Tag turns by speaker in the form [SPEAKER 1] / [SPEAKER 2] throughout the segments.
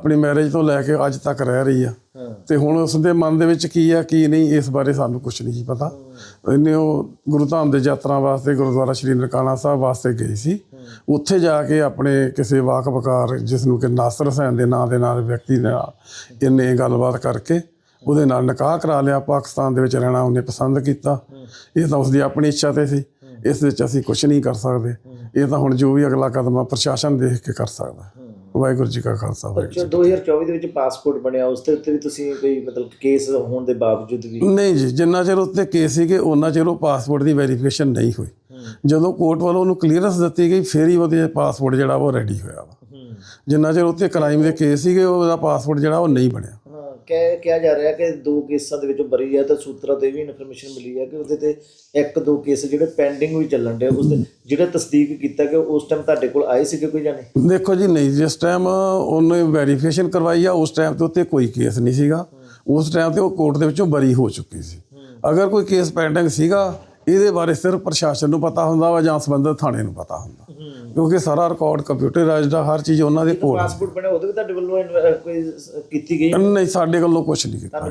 [SPEAKER 1] ਆਪਣੀ ਮੈਰਿਜ ਤੋਂ ਲੈ ਕੇ ਅੱਜ ਤੱਕ ਰਹਿ ਰਹੀ ਆ ਤੇ ਹੁਣ ਉਸ ਦੇ ਮਨ ਦੇ ਵਿੱਚ ਕੀ ਆ ਕੀ ਨਹੀਂ ਇਸ ਬਾਰੇ ਸਾਨੂੰ ਕੁਝ ਨਹੀਂ ਪਤਾ। ਇਹਨੇ ਉਹ ਗੁਰੂ ਧਾਮ ਦੇ ਯਾਤਰਾ ਵਾਸਤੇ ਗੁਰਦੁਆਰਾ ਸ਼੍ਰੀ ਨਨਕਾਣਾ ਸਾਹਿਬ ਵਾਸਤੇ ਗਈ ਸੀ। ਉੱਥੇ ਜਾ ਕੇ ਆਪਣੇ ਕਿਸੇ ਵਾਕਬਕਾਰ ਜਿਸ ਨੂੰ ਕਿ ਨਾਸਰ ਹੁਸੈਨ ਦੇ ਨਾਂ ਦੇ ਨਾਲ ਵਿਅਕਤੀ ਨਾਲ ਇਹਨੇ ਗੱਲਬਾਤ ਕਰਕੇ ਉਹਦੇ ਨਾਲ ਨਿਕਾਹ ਕਰਾ ਲਿਆ। ਪਾਕਿਸਤਾਨ ਦੇ ਵਿੱਚ ਰਹਿਣਾ ਉਹਨੇ ਪਸੰਦ ਕੀਤਾ। ਇਹ ਤਾਂ ਉਸਦੀ ਆਪਣੀ ਇੱਛਾ ਤੇ ਸੀ, ਇਸ ਵਿੱਚ ਅਸੀਂ ਕੁਝ ਨਹੀਂ ਕਰ ਸਕਦੇ। ਇਹ ਤਾਂ ਹੁਣ ਜੋ ਵੀ ਅਗਲਾ ਕਦਮ ਆ ਪ੍ਰਸ਼ਾਸਨ ਦੇਖ ਕੇ ਕਰ ਸਕਦਾ। ਵਾਹਿਗੁਰੂ ਜੀ ਕਾ ਖਾਲਸਾ ਵਾਹਿਗੁਰੂ।
[SPEAKER 2] 2024 ਦੇ ਵਿੱਚ ਪਾਸਪੋਰਟ ਬਣਿਆ, ਉਸ ਦੇ ਉੱਤੇ ਵੀ ਤੁਸੀਂ ਕੋਈ ਮਤਲਬ ਕੇਸ ਹੋਣ ਦੇ ਬਾਵਜੂਦ ਵੀ?
[SPEAKER 1] ਨਹੀਂ ਜੀ, ਜਿੰਨਾ ਚਿਰ ਉੱਤੇ ਕੇਸ ਸੀਗੇ ਉਹਨਾਂ ਚਿਰ ਉਹ ਪਾਸਪੋਰਟ ਦੀ ਵੈਰੀਫਿਕੇਸ਼ਨ ਨਹੀਂ ਹੋਈ। ਜਦੋਂ ਕੋਰਟ ਵੱਲੋਂ ਉਹਨੂੰ ਕਲੀਅਰੈਂਸ ਦਿੱਤੀ ਗਈ ਫਿਰ ਹੀ ਉਹਦੇ ਪਾਸਪੋਰਟ ਜਿਹੜਾ ਉਹ ਰੈਡੀ ਹੋਇਆ ਵਾ। ਜਿੰਨਾ ਚਿਰ ਉੱਤੇ ਕ੍ਰਾਈਮ ਦੇ ਕੇਸ ਸੀਗੇ ਉਹਦਾ ਪਾਸਪੋਰਟ ਜਿਹੜਾ ਉਹ ਨਹੀਂ ਬਣਿਆ।
[SPEAKER 2] ਕਿਹਾ ਜਾ ਰਿਹਾ ਕਿ 2 ਕੇਸਾਂ ਦੇ ਵਿੱਚੋਂ ਬਰੀ ਹੈ ਤਾਂ ਸੂਤਰਾਂ ਤੋਂ ਇਹ ਵੀ ਇਨਫੋਰਮੇਸ਼ਨ ਮਿਲੀ ਹੈ ਕਿ ਉਹਦੇ ਤੇ 1-2 ਕੇਸ ਜਿਹੜੇ ਪੈਂਡਿੰਗ ਵੀ ਚੱਲਣ ਡੇ। ਉਸ ਦੇ ਜਿਹੜਾ ਤਸਦੀਕ ਕੀਤਾ ਕਿ ਉਸ ਟਾਈਮ ਤੁਹਾਡੇ ਕੋਲ ਆਏ ਸੀਗੇ ਕੋਈ ਜਾਣੇ?
[SPEAKER 1] ਦੇਖੋ ਜੀ, ਨਹੀਂ, ਜਿਸ ਟਾਈਮ ਉਹਨੇ ਵੈਰੀਫਿਕੇਸ਼ਨ ਕਰਵਾਈ ਆ ਉਸ ਟਾਈਮ ਤੇ ਉੱਤੇ ਕੋਈ ਕੇਸ ਨਹੀਂ ਸੀਗਾ। ਉਸ ਟਾਈਮ ਤੇ ਉਹ ਕੋਰਟ ਦੇ ਵਿੱਚੋਂ ਬਰੀ ਹੋ ਚੁੱਕੀ ਸੀ। ਅਗਰ ਕੋਈ ਕੇਸ ਪੈਂਡਿੰਗ ਸੀਗਾ ਇਹਦੇ ਬਾਰੇ ਸਿਰਫ ਪ੍ਰਸ਼ਾਸਨ ਨੂੰ ਪਤਾ ਹੁੰਦਾ ਵਾ ਜਾਂ ਸੰਬੰਧਿਤ ਥਾਣੇ ਨੂੰ ਪਤਾ ਹੁੰਦਾ, ਕਿਉਂਕਿ ਸਾਰਾ ਰਿਕਾਰਡ ਕੰਪਿਊਟਰਾਈਜ਼ਡ ਆ, ਹਰ ਚੀਜ਼ ਉਹਨਾਂ ਦੇ ਕੋਲ।
[SPEAKER 2] ਪਾਸਪੋਰਟ ਬਣਿਆ ਉਹਦੇ ਵੀ ਤੁਹਾਡੇ ਵੱਲੋਂ ਕੋਈ ਕੀਤੀ ਗਈ?
[SPEAKER 1] ਨਹੀਂ, ਸਾਡੇ ਵੱਲੋਂ ਕੁਝ ਨਹੀਂ ਕੀਤਾ।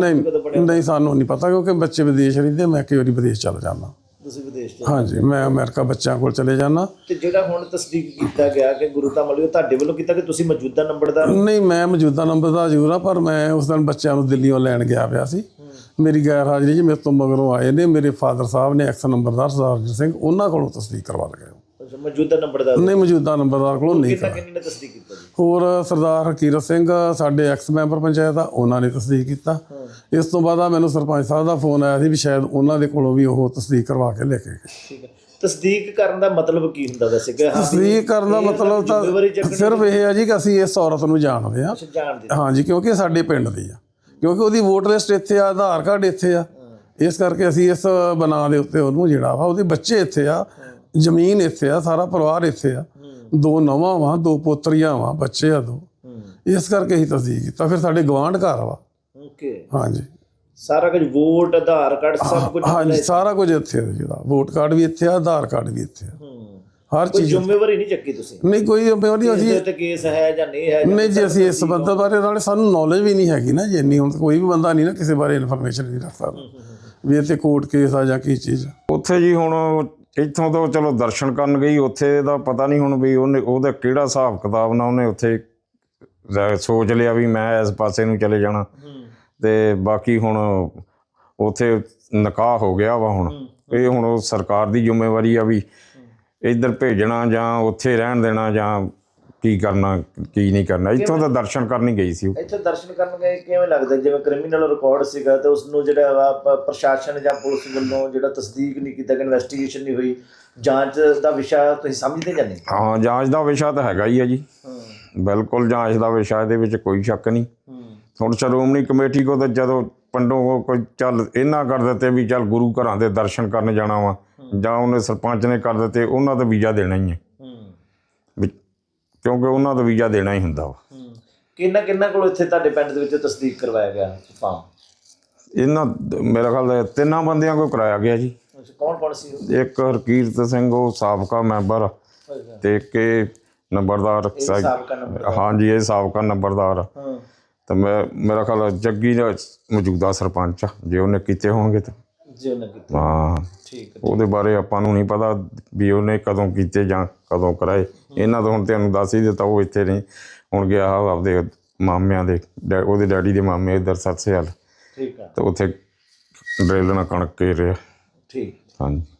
[SPEAKER 1] ਨਹੀਂ, ਸਾਨੂੰ ਨਹੀਂ ਪਤਾ ਕਿਉਂਕਿ ਬੱਚੇ ਵਿਦੇਸ਼ ਰਹਿੰਦੇ। ਮੈਂ ਕਈ ਵਾਰੀ ਵਿਦੇਸ਼ ਚਲ ਜਾਂਦਾ।
[SPEAKER 2] ਤੁਸੀਂ ਵਿਦੇਸ਼ ਚ?
[SPEAKER 1] ਹਾਂਜੀ, ਮੈਂ ਅਮਰੀਕਾ ਬੱਚਿਆਂ ਕੋਲ ਚਲੇ ਜਾਂਦਾ।
[SPEAKER 2] ਤੇ ਜਿਹੜਾ ਹੁਣ ਤਸਦੀਕ ਕੀਤਾ ਗਿਆ ਕਿ ਗੁਰੂ ਧਾਮ ਵਾਲੀ, ਉਹ ਤੁਹਾਡੇ ਵੱਲੋਂ ਕੀਤਾ ਕਿ ਤੁਸੀਂ ਮੌਜੂਦਾ ਨੰਬਰਦਾਰ?
[SPEAKER 1] ਨਹੀਂ, ਮੈਂ ਮੌਜੂਦਾ ਨੰਬਰਦਾਰ ਜ਼ਰੂਰ ਆ, ਪਰ ਮੈਂ ਉਸ ਦਿਨ ਬੱਚਿਆਂ ਨੂੰ ਦਿੱਲੀੋਂ ਲੈਣ ਗਿਆ ਪਿਆ ਸੀ। ਮੇਰੀ ਗੈਰ ਹਾਜ਼ਰੀ 'ਚ ਮੇਰੇ ਤੋਂ ਮਗਰੋਂ ਆਏ ਨੇ ਮੇਰੇ ਫਾਦਰ ਸਾਹਿਬ ਨੇ ਐਕਸ ਨੰਬਰਦਾਰ ਸਰਦਾਰ ਰਣਜੀਤ ਸਿੰਘ, ਉਹਨਾਂ ਕੋਲੋਂ ਤਸਦੀਕ ਕਰਵਾ ਲਗਾਏ।
[SPEAKER 2] ਮੌਜੂਦਾ ਨੰਬਰਦਾਰ? ਨਹੀਂ,
[SPEAKER 1] ਮੌਜੂਦਾ ਨੰਬਰਦਾਰ ਕੋਲੋਂ ਨਹੀਂ।
[SPEAKER 2] ਕਿੰਨੇ ਨੇ ਤਸਦੀਕ ਕੀਤਾ ਜੀ?
[SPEAKER 1] ਹੋਰ ਸਰਦਾਰ ਹਕੀਰਤ ਸਿੰਘ ਸਾਡੇ ਐਕਸ ਮੈਂਬਰ ਪੰਚਾਇਤ ਆ, ਉਹਨਾਂ ਨੇ ਤਸਦੀਕ ਕੀਤਾ। ਇਸ ਤੋਂ ਬਾਅਦ ਮੈਨੂੰ ਸਰਪੰਚ ਸਾਹਿਬ ਦਾ ਫੋਨ ਆਇਆ ਸੀ ਵੀ ਸ਼ਾਇਦ ਉਹਨਾਂ ਦੇ ਕੋਲੋਂ ਵੀ ਉਹ ਤਸਦੀਕ ਕਰਵਾ ਕੇ ਲੈ ਕੇ ਗਏ।
[SPEAKER 2] ਠੀਕ ਹੈ। ਤਸਦੀਕ ਕਰਨ ਦਾ ਮਤਲਬ ਕੀ ਹੁੰਦਾ ਵੈਸੇ?
[SPEAKER 1] ਤਸਦੀਕ ਕਰਨ ਦਾ ਮਤਲਬ ਤਾਂ ਸਿਰਫ ਇਹ ਹੈ ਜੀ ਕਿ ਅਸੀਂ ਇਸ ਔਰਤ ਨੂੰ ਜਾਣਦੇ ਹਾਂ। ਹਾਂਜੀ, ਕਿਉਂਕਿ ਸਾਡੇ ਪਿੰਡ ਦੀ ਆ, ਕਿਉਂਕਿ ਉਹਦੀ ਵੋਟ ਲਿਸਟ ਇੱਥੇ ਆ, ਆਧਾਰ ਕਾਰਡ ਇੱਥੇ ਆ, ਇਸ ਕਰਕੇ ਅਸੀਂ ਇਸ ਬਣਾ ਦੇ ਉੱਤੇ ਉਹਨੂੰ ਜਿਹੜਾ ਵਾ, ਉਹਦੇ ਬੱਚੇ ਇੱਥੇ ਆ, ਜ਼ਮੀਨ ਇੱਥੇ ਆ, ਸਾਰਾ ਪਰਿਵਾਰ ਇੱਥੇ ਆ, 2 ਨੌਵਾਂ ਵਾ, 2 ਪੋਤਰੀਆਂ ਵਾ, ਬੱਚੇ ਆ 2, ਇਸ ਕਰਕੇ ਅਸੀਂ ਤਸਦੀਕ ਕੀਤਾ। ਫਿਰ ਸਾਡੇ ਗਵਾਂਢ ਘਰ ਵਾ। ਹਾਂਜੀ,
[SPEAKER 2] ਸਾਰਾ ਕੁਝ ਵੋਟ ਆਧਾਰ ਕਾਰਡ ਸਭ ਕੁਝ?
[SPEAKER 1] ਹਾਂਜੀ, ਸਾਰਾ ਕੁਝ ਇੱਥੇ ਆ। ਜਿਹੜਾ ਵੋਟ ਕਾਰਡ ਵੀ ਇੱਥੇ ਆ, ਆਧਾਰ ਕਾਰਡ ਵੀ ਇੱਥੇ ਆ, ਹਰ ਚੀਜ਼।
[SPEAKER 2] ਜ਼ਿੰਮੇਵਾਰੀ ਨਹੀਂ ਚੱਕੀ ਤੁਸੀਂ?
[SPEAKER 1] ਨਹੀਂ, ਕੋਈ ਜ਼ਿੰਮੇਵਾਰੀ ਅਸੀਂ
[SPEAKER 2] ਤੇ ਕੇਸ ਹੈ ਜਾਂ ਨਹੀਂ ਹੈ?
[SPEAKER 1] ਨਹੀਂ ਜੀ, ਅਸੀਂ ਇਸ ਸੰਬੰਧ ਬਾਰੇ ਨਾਲੇ ਸਾਨੂੰ ਨੌਲੇਜ ਵੀ ਨਹੀਂ ਹੈਗੀ ਨਾ ਜੀ ਇੰਨੀ। ਹੁਣ ਕੋਈ ਵੀ ਬੰਦਾ ਨਹੀਂ ਨਾ ਕਿਸੇ ਬਾਰੇ ਇਨਫੋਰਮੇਸ਼ਨ ਨਹੀਂ ਰੱਖ ਸਕਦਾ ਵੀ ਇੱਥੇ ਕੋਰਟ ਕੇਸ ਆ ਜਾਂ ਕੀ ਚੀਜ਼।
[SPEAKER 3] ਉੱਥੇ ਜੀ ਹੁਣ ਇੱਥੋਂ ਤੋਂ ਚਲੋ ਦਰਸ਼ਨ ਕਰਨ ਗਈ, ਉੱਥੇ ਦਾ ਪਤਾ ਨਹੀਂ ਹੁਣ ਵੀ ਉਹਦਾ ਕਿਹੜਾ ਹਿਸਾਬ ਕਿਤਾਬ ਨਾਲ ਉਹਨੇ ਉੱਥੇ ਸੋਚ ਲਿਆ ਵੀ ਮੈਂ ਇਸ ਪਾਸੇ ਨੂੰ ਚਲੇ ਜਾਣਾ। ਤੇ ਬਾਕੀ ਹੁਣ ਉੱਥੇ ਨਿਕਾਹ ਹੋ ਗਿਆ ਵਾ। ਹੁਣ ਇਹ ਹੁਣ ਉਹ ਸਰਕਾਰ ਦੀ ਜ਼ਿੰਮੇਵਾਰੀ ਆ ਵੀ ਇੱਧਰ ਭੇਜਣਾ ਜਾਂ ਉੱਥੇ ਰਹਿਣ ਦੇਣਾ ਜਾਂ ਕੀ ਕਰਨਾ ਕੀ ਨਹੀਂ ਕਰਨਾ। ਇੱਥੋਂ ਤਾਂ ਦਰਸ਼ਨ ਕਰਨ ਹੀ ਗਈ ਸੀ।
[SPEAKER 2] ਇੱਥੇ ਦਰਸ਼ਨ ਕਰਨ ਗਏ, ਕਿਵੇਂ ਲੱਗਦਾ ਜਿਵੇਂ ਕ੍ਰਿਮੀਨਲ ਰਿਕਾਰਡ ਸੀਗਾ ਤੇ ਉਸ ਨੂੰ ਜਿਹੜਾ ਵਾ ਪ੍ਰਸ਼ਾਸਨ ਜਾਂ ਪੁਲਿਸ ਵੱਲੋਂ ਜਿਹੜਾ ਤਸਦੀਕ ਨਹੀਂ ਕੀਤਾ, ਇਨਵੈਸਟੀਗੇਸ਼ਨ ਨਹੀਂ ਹੋਈ, ਜਾਂਚ ਦਾ ਵਿਸ਼ਾ ਤੁਸੀਂ ਸਮਝਦੇ ਜਾਂ ਨਹੀਂ?
[SPEAKER 3] ਹਾਂ, ਜਾਂਚ ਦਾ ਵਿਸ਼ਾ ਤਾਂ ਹੈਗਾ ਹੀ ਆ ਜੀ, ਬਿਲਕੁਲ ਜਾਂਚ ਦਾ ਵਿਸ਼ਾ, ਇਹਦੇ ਵਿੱਚ ਕੋਈ ਸ਼ੱਕ ਨਹੀਂ। ਹੁਣ ਸ਼੍ਰੋਮਣੀ ਕਮੇਟੀ ਕੋਲ ਤਾਂ ਜਦੋਂ ਪਿੰਡੋਂ ਕੋਈ ਚੱਲ ਇਹਨਾਂ ਕਰ ਦਿੱਤੇ ਵੀ ਚੱਲ ਗੁਰੂ ਘਰਾਂ ਦੇ ਦਰਸ਼ਨ ਕਰਨ ਜਾਣਾ ਵਾ, ਜਾਂ ਉਹਨੇ ਸਰਪੰਚ ਨੇ ਕਰ ਦਿੱਤੇ, ਉਹਨਾਂ ਦਾ ਵੀਜ਼ਾ ਦੇਣਾ ਹੀ ਹੈ ਵੀ, ਕਿਉਂਕਿ ਉਹਨਾਂ ਦਾ ਵੀਜ਼ਾ ਦੇਣਾ ਹੀ ਹੁੰਦਾ ਵਾ।
[SPEAKER 2] ਕਿੰਨਾ ਕੋਲ ਇੱਥੇ ਤੁਹਾਡੇ ਪਿੰਡ ਦੇ ਵਿੱਚ ਤਸਦੀਕ ਕਰਵਾਇਆ ਗਿਆ ਫਾਰਮ?
[SPEAKER 3] ਇਹਨਾਂ ਮੇਰਾ ਖਿਆਲ 3 ਬੰਦਿਆਂ ਕੋਲ ਕਰਾਇਆ ਗਿਆ ਜੀ।
[SPEAKER 2] ਕੌਣ ਸੀ?
[SPEAKER 3] ਇੱਕ ਹਰਕੀਰਤ ਸਿੰਘ, ਉਹ ਸਾਬਕਾ ਮੈਂਬਰ, ਤੇ ਇੱਕ ਨੰਬਰਦਾਰ। ਹਾਂਜੀ, ਇਹ ਸਾਬਕਾ ਨੰਬਰਦਾਰ ਆ। ਤਾਂ ਮੇਰਾ ਖਿਆਲ ਜੱਗੀ ਦਾ ਮੌਜੂਦਾ ਸਰਪੰਚ ਆ, ਜੇ ਉਹਨੇ ਕੀਤੇ ਹੋਣਗੇ ਤਾਂ। ਹਾਂ, ਉਹਦੇ ਬਾਰੇ ਆਪਾਂ ਨੂੰ ਨਹੀਂ ਪਤਾ ਵੀ ਉਹਨੇ ਕਦੋਂ ਕੀਤੇ ਜਾਂ ਕਦੋਂ ਕਰਾਏ। ਇਹਨਾਂ ਤੋਂ ਹੁਣ ਤੁਹਾਨੂੰ ਦੱਸ ਹੀ ਦਿੱਤਾ, ਉਹ ਇੱਥੇ ਨਹੀਂ, ਹੁਣ ਗਿਆ ਆਪਦੇ ਮਾਮਿਆਂ ਦੇ, ਉਹਦੇ ਡੈਡੀ ਦੇ ਮਾਮੇ ਇੱਧਰ ਸਤਸੇਵਾਲ, ਤੇ ਉੱਥੇ ਡਰਿੱਲ ਨਾਲ ਕਣਕ ਘੇਰ ਰਿਹਾ। ਹਾਂਜੀ।